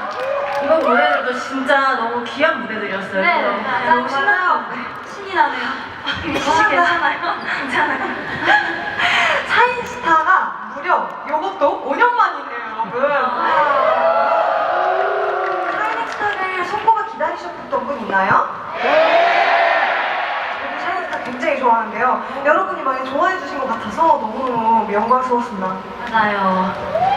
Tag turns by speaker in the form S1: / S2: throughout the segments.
S1: 이번 무대들도 진짜 너무 귀한 무대들이었어요.
S2: 네,
S1: 너무 신나요.
S2: 신이 나네요.
S1: 혹시 괜찮아요? 괜찮아요.
S3: 샤인스타가 무려 요것도 5년 만이네요, 여러분. 샤이니스타를 손꼽아 기다리셨던 분 있나요? 저도 샤이니스타 굉장히 좋아하는데요. 여러분이 많이 좋아해 주신 것 같아서 너무너무 영광스러웠습니다.
S2: 맞아요.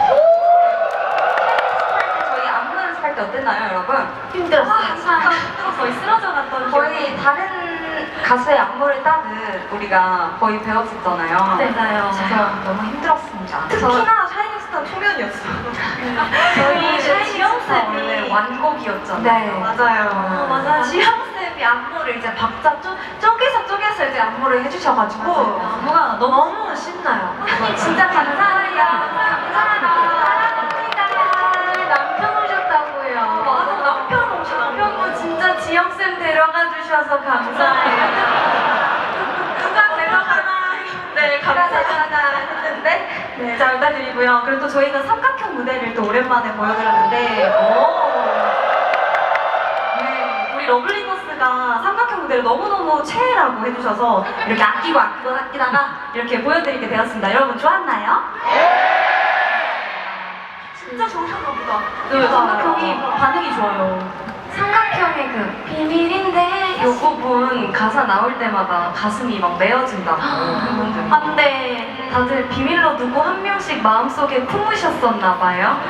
S2: 저희 안무 연습할 때 어땠나요, 여러분?
S1: 힘들었어요.
S2: 거의 쓰러져 갔던 거의 다른 가수의 안무를 따듯 우리가 거의 배웠었잖아요.
S1: 네, 맞아요.
S2: 그래서 너무 힘들었습니다.
S3: 특히나 샤이니스타 초면이었어요.
S2: 저희
S1: 지영쌤이
S2: 원래 완곡이었잖아요.
S3: 네, 맞아요.
S2: 맞아요. 지영쌤이 안무를 이제 박자 쪼개서 이제 안무를 해주셔가지고 안무가
S1: 너무 신나요.
S2: 선생님 진짜 감사해요. 사랑합니다. 남편 오셨다고요. 맞아, 남편 진짜 지영쌤 데려가 주셔서 감사해요. 누가 데려가나? 네, 감사하다 했는데 네, 잘 부탁드리고요. 그리고 또 저희가 삼각형 무대를 또 오랜만에 보여드렸는데 네, 우리 러블리너스가 삼각형 무대를 너무너무 최애라고 해주셔서 이렇게 아끼다가 이렇게 보여드리게 되었습니다. 여러분 좋았나요?
S3: 진짜 좋으셨나 보다.
S1: 네, 삼각형이 반응이 좋아요.
S2: 삼각형의 그 비밀인데 요 부분 가사 나올 때마다 가슴이 막 메어진다고 팬분들. 근데 다들 비밀로 누구 한 명씩 마음속에 품으셨었나 봐요.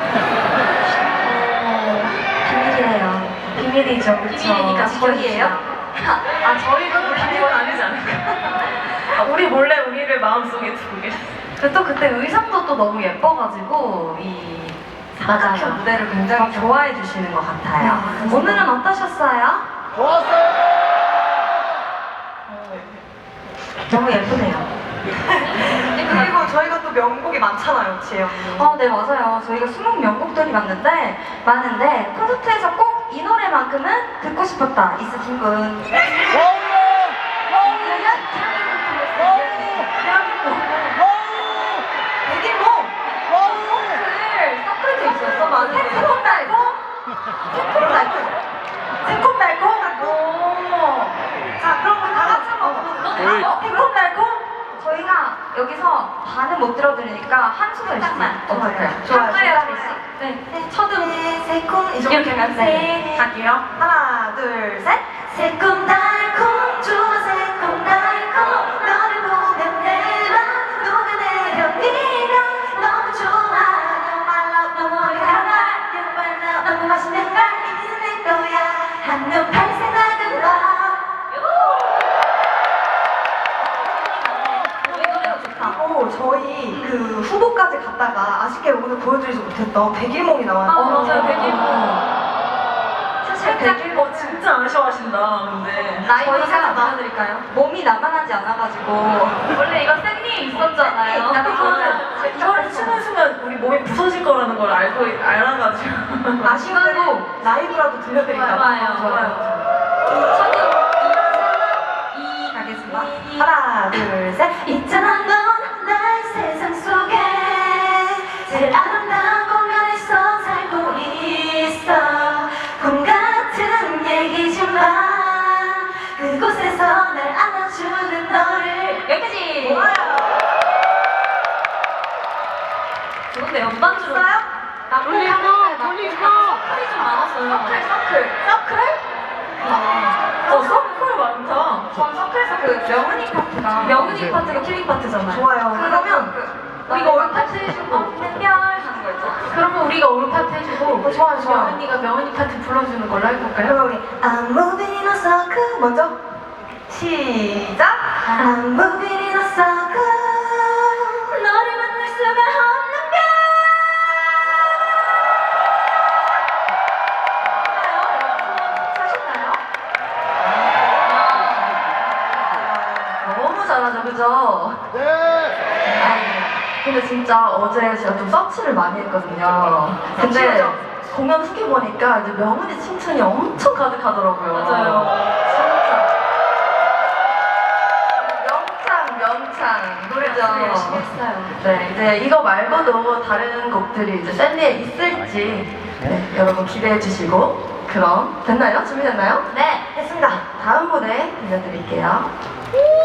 S2: 비밀이에요. 비밀이죠, 그쵸?
S1: 비밀이니까
S2: 저희예요? 아, 저희도
S1: 비밀은 아니지 않을까? 우리 몰래 우리를 마음속에 두고 계셨어요.
S2: 근데 또 그때 의상도 또 너무 예뻐가지고 이 삼각형 무대를 굉장히 좋아해 주시는 것 같아요.
S3: 네,
S2: 오늘은 어떠셨어요?
S4: 좋았어요.
S2: 너무 예쁘네요.
S3: 그리고 저희가 또 명곡이 많잖아요, 지혜요.
S2: 네 맞아요. 저희가 수목 명곡들이 많은데 콘서트에서 꼭 이 노래만큼은 듣고 싶었다 있으신 분?
S3: 백일몽!
S2: 서클도 있었어. 맞아.
S3: 새콤달콤! 자, 그럼 우리 다 같이 한번
S2: 새콤달콤? 저희가 여기서 반은 못 들어드리니까 한 소절씩만 어떨까요?
S3: 좋아요.
S2: 네. 첫음
S3: 새콤
S2: 이렇게 하면 네. 갈게요.
S3: 하나, 둘, 셋. 새콤달콤 좋아 새콤달콤 너를 보면 내 맘 녹아내려 네가 너무 좋아 My love 너무 어려워 너무 맛있는 걸 이제 내 거야 한눈 팔 생각은 나 저희 그 후보까지 갔다가 아쉽게 오늘 보여드리지 못했던 백일몽이 나와요.
S2: 맞아요. 백일몽. 사실 백일몽
S1: 진짜 아쉬워하신다, 근데.
S2: 저희가 살짝 보여드릴까요? 몸이 나만하지 않아가지고 원래 이거 쌤님 있었잖아요.
S1: 이거를 치는 순간 우리 몸이 부서질 거라는 걸 알아가지고.
S3: 아쉬운 대로 라이브라도 들려드릴까 봐.
S2: 좋아요. 저도 2 가겠습니다.
S3: 하나, 둘, 셋. 있잖아, 넌 나의 세상 속에 제일 아름다운 공간에서 살고 있어. 꿈 같은 얘기지만 그곳에서 날 안아주는 너를.
S2: 여기까지.
S3: 좋아요.
S2: 좋은데 연반주로.
S3: 있어요?
S2: 돌리고. 서클이 좀 많았어요. 서클?
S1: 서클 많다.
S2: 전 서클에서 그 명은이 파트가 킬링 파트잖아요.
S3: 좋아요. 그러면
S2: 우리가 올 파트 해주고 없는 별 하는 거 있죠.
S1: 그러면 우리가 올 파트 해주고,
S3: 좋아요.
S1: 명은이가 명은이 파트 불러주는 걸로 해볼까요?
S3: 그럼 우리 I'm moving in a circle 먼저 시작. I'm moving in a circle 너를 만날 수가 없는 별.
S2: 너무 잘하죠, 그죠?
S4: 네.
S2: 근데 진짜 어제 제가 좀 서치를 많이 했거든요. 근데 공연 후기 보니까 이제 명은이 칭찬이 엄청 가득하더라고요.
S1: 맞아요.
S2: 진짜. 명창. 노래죠.
S1: 열심히 했어요.
S2: 네, 이제 이거 말고도 다른 곡들이 이제 샌디에 있을지 네, 여러분 기대해 주시고 그럼 됐나요? 준비됐나요?
S3: 네, 했습니다.
S2: 다음 무대 들려드릴게요.